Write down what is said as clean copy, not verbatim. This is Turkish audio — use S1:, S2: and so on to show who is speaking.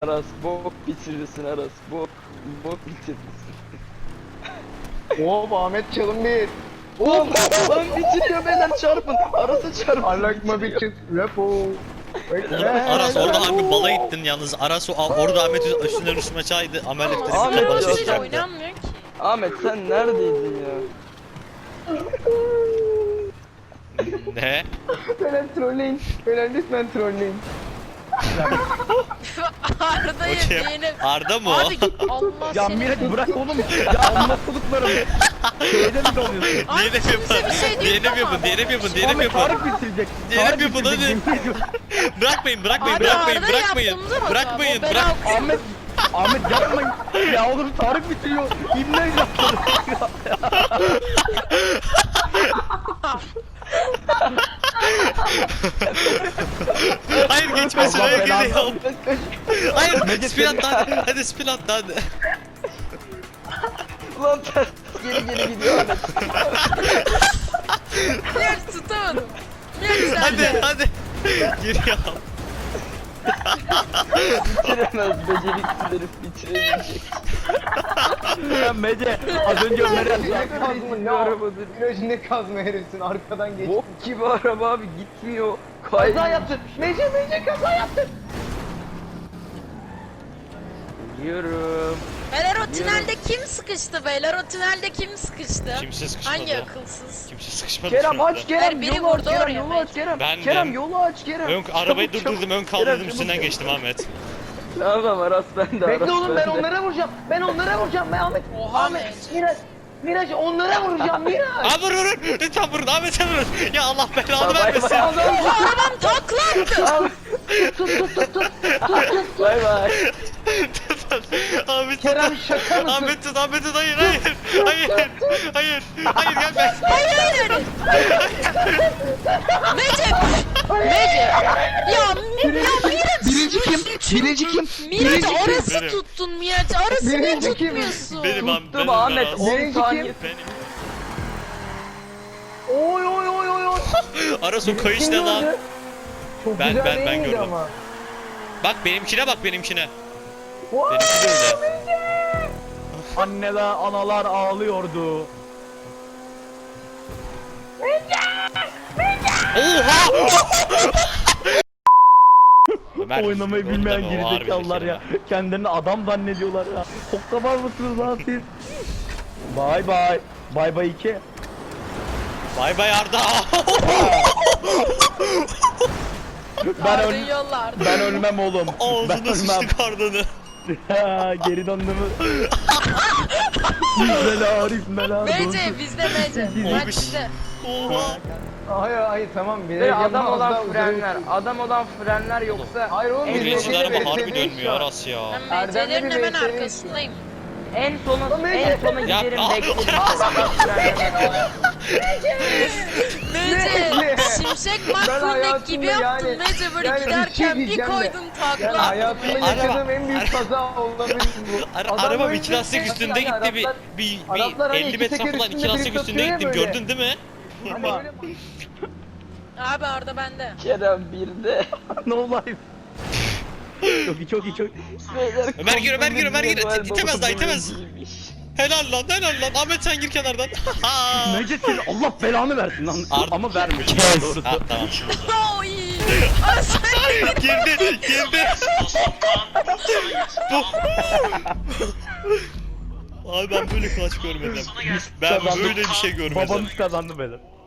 S1: Aras bok bitirirsin Aras bok bitirirsin.
S2: Hop Ahmet çalın bir.
S1: Oğlum lan bitiriyor beyler çarpın. Aras'a çarpın.
S2: Alakma bir kız. Repo.
S3: Aras orada abi bala gittin yalnız. Aras orada Ahmet üstünden üstüme çaydı. Amel
S1: Ahmet
S3: ettirip bana
S1: ya.
S3: ses
S4: Hiç
S3: çaktı.
S4: oynanmıyor ki.
S1: Ahmet sen neredeydin ya?
S3: Ne?
S2: Beyler trolleyin. Beyler lütfen trolleyin.
S4: Arda'yı
S3: O kim?
S4: beğenip...
S3: Arda mı o?
S4: Abi git Allah
S5: Ya
S4: seni.
S5: Miraç bırak oğlum. Ya anlatılıklarım. Şeyde mi dalıyorsun?
S4: Abi
S3: Diğerini mi
S4: kimse
S3: yapın?
S4: bir şey değil
S3: Diğerini mi
S4: ama.
S3: yapın? Diğerini mi yapın? Diğerini mi
S5: Ahmet
S3: yapın?
S5: Tarık bitirecek.
S3: Diğerini
S5: Tarık
S3: mi yapın?
S5: bitirecek,
S3: Hadi.
S5: yemin ediyorum.
S3: Bırakmayın, bırakmayın,
S4: Abi
S3: bırakmayın,
S4: Arda
S3: bırakmayın.
S4: yaptığımda bak
S3: Bırakmayın,
S4: abi, o
S3: bırak.
S5: Ahmet yapmayın. Ya oğlum Tarık bitiriyor. İbne yaptı.
S3: Hayır geçmesin,
S5: Allah
S3: hayır
S5: belanı.
S3: geliyor. Hayır,
S5: Mecit
S3: spin
S5: seni-
S3: at hadi. Hadi spin at hadi.
S1: Ulan ters geri gidiyor Ahmet.
S4: Miraç tutamadım. Miraç sen
S3: Hadi,
S4: de.
S3: hadi. Giriyor.
S1: Bitiremez beceriksiz herif bitiremeyecek.
S5: Sen Mece az önce Ömer'e
S2: Ne
S5: yazdı.
S2: kazma
S1: Bir
S2: ne
S1: arabadır.
S2: Viraj ne kazma herifsin arkadan geç.
S1: Bok gibi araba abi gitmiyor.
S2: Kaza yaptın. Mece kaza yaptın.
S1: Gidiyorum.
S4: Beyler o tünelde kim sıkıştı beyler? O tünelde kim sıkıştı?
S3: Kimse sıkışmadı.
S4: Hangi akılsız?
S3: Kimse sıkışmadı.
S1: Kerem
S3: şu anda.
S1: aç Kerem
S4: Biri
S1: yolu aç
S4: vurdu
S1: Kerem
S4: oraya
S1: yolu
S4: bence.
S1: aç Kerem.
S3: Bendim.
S1: Kerem yolu aç Kerem.
S3: Arabayı
S1: Çabuk,
S3: durdurdum, ön
S1: Kerem,
S3: kaldırdım,
S1: çabuk,
S3: üstünden
S1: çabuk.
S3: geçtim Ahmet.
S1: Tamam Aras ben de Aras
S2: Bekle oğlum ben
S1: de.
S2: onlara vuracağım. Ben onlara vuracağım. Ben Ahmet.
S4: Oha
S2: Ahmet.
S4: Miraç.
S2: Miraç onlara vuracağım Miraç.
S3: Abi vurun, lütfen vurun, Ahmet'e vurun. Ya Allah
S1: Ya
S3: belanı
S1: bay
S3: vermesin.
S1: bay.
S4: Arabam taklattı.
S1: Al. Bay bay.
S3: Ahmet
S2: Kerem şaka mısın?
S3: Ahmet tut, Ahmet tut, hayır, hayır. Hayır, gelme.
S4: Hayır. Mece. Ya Miraç.
S5: Birinci kim?
S4: Miraç orası
S3: Benim.
S4: tuttun Miraç. Orası ne
S2: Birinci kim?
S4: tutmuyorsun?
S3: Benim abi,
S1: Tuttum
S3: benim
S1: Ahmet
S3: Aras.
S1: 10
S2: Birinci
S1: saniye.
S2: kim?
S3: Benim.
S2: Oy oy oy oy oy.
S3: Aras o kayış ne lan?
S2: Çok
S3: Ben-
S2: güzel
S3: ben
S2: değil miydi
S3: gördüm.
S2: ama?
S3: Bak benimkine bak benimkine.
S2: Vay!
S3: Benimki de öyle.
S5: Anneler analar ağlıyordu.
S3: Oha! Ömer,
S5: Oynamayı
S3: gördün
S5: bilmeyen
S3: değil mi? O harbi
S5: gerizekalılar
S3: zeki
S5: ya. Kendilerini adam zannediyorlar ya. Hokka var mısınız lan siz? Bay bay. Bay bay 2.
S3: Bay bay Arda.
S4: Arda'yı yolla
S5: Ben ölmem oğlum. Ben
S3: Ağzına
S5: ölmem.
S3: sıçtık Arda'nı.
S5: Geri döndü mü? İzmela İzmela.
S4: Mece bizde Mece. Miraç bizde.
S3: Oha.
S2: Hayır tamam.
S1: Ve adam
S2: az
S1: olan
S2: daha
S1: frenler.
S2: uzun-
S1: Adam olan frenler yoksa
S2: Hayır oğlum biz
S3: Birinci
S2: Mece'yle
S3: araba harbi
S2: VS'deyiz
S3: dönmüyor
S2: şu an.
S3: Aras ya.
S4: Ben
S2: Erdem'le
S4: Mece'lerin
S2: bir
S4: hemen
S2: VS'deyiz.
S4: arkasındayım.
S1: en sona
S3: Ya-
S1: giderim beklerim.
S4: Mece Şimşek McQueen
S2: hayatımda
S4: gibi yaptın
S2: yani-
S4: Mece böyle
S2: yani bir şey
S4: giderken bir
S2: diyeceğim de.
S4: koydun
S2: Yani
S4: takla.
S2: hayatımda
S3: Araba-
S2: yaşadığım en büyük kaza olabilir bu. Adam
S3: Arabam
S2: böyle
S3: 2 lastik
S2: bir-
S3: üstünde
S2: yani
S3: gitti bir
S2: Araplar-
S3: bir
S2: Araplar hani
S3: 50
S2: iki
S3: metre
S2: teker
S3: falan 2
S2: üstünde
S3: lastik
S2: biri
S3: üstünde
S2: satıyor ya
S3: gittim
S2: böyle.
S3: gördün değil mi?
S2: Ama öyle-
S4: Abi Arda bende.
S1: Kerem bir de.
S5: No life. Çok iyi çok iyi çok iyi.
S1: Beyler,
S3: Ömer gir, Ömer gir, Ömer gir.
S1: Noel
S3: İtemez
S1: Baba
S3: daha, itemez.
S1: değilmiş.
S3: Helal lan. Ahmet sen gir kenardan.
S5: Mece seni Allah belanı versin lan.
S3: Arda-
S5: Ama vermiş. Doğrusu.
S3: Ha tamam.
S4: Oy. Ay sen
S3: Girdi. Bu. Abi ben böyle clutch görmedim. Ben
S5: Kazandım.
S3: böyle bir şey görmedim.
S5: Babanız kazandı beyler.